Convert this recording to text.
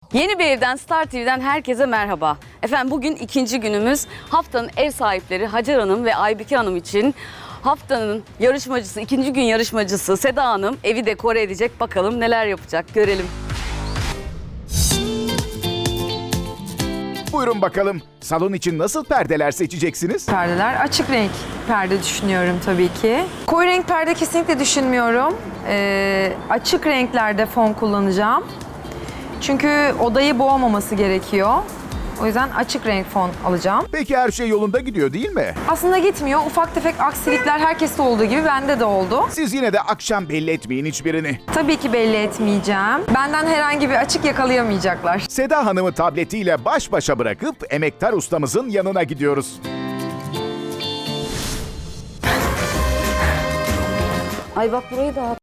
Yeni bir evden Star TV'den herkese merhaba. Efendim bugün ikinci günümüz. Haftanın ev sahipleri Hacer Hanım ve Aybike Hanım için haftanın yarışmacısı, ikinci gün yarışmacısı Seda Hanım evi dekore edecek. Bakalım neler yapacak, görelim. Buyurun bakalım. Salon için nasıl perdeler seçeceksiniz? Perdeler açık renk perde düşünüyorum tabii ki. Koyu renk perde kesinlikle düşünmüyorum. Açık renklerde fon kullanacağım. Çünkü odayı boğmaması gerekiyor. O yüzden açık renk fon alacağım. Peki her şey yolunda gidiyor değil mi? Aslında gitmiyor. Ufak tefek aksilikler herkeste olduğu gibi bende de oldu. Siz yine de akşam belli etmeyin hiçbirini. Tabii ki belli etmeyeceğim. Benden herhangi bir açık yakalayamayacaklar. Seda Hanım'ı tabletiyle baş başa bırakıp emektar ustamızın yanına gidiyoruz. Ay bak burayı dağıt.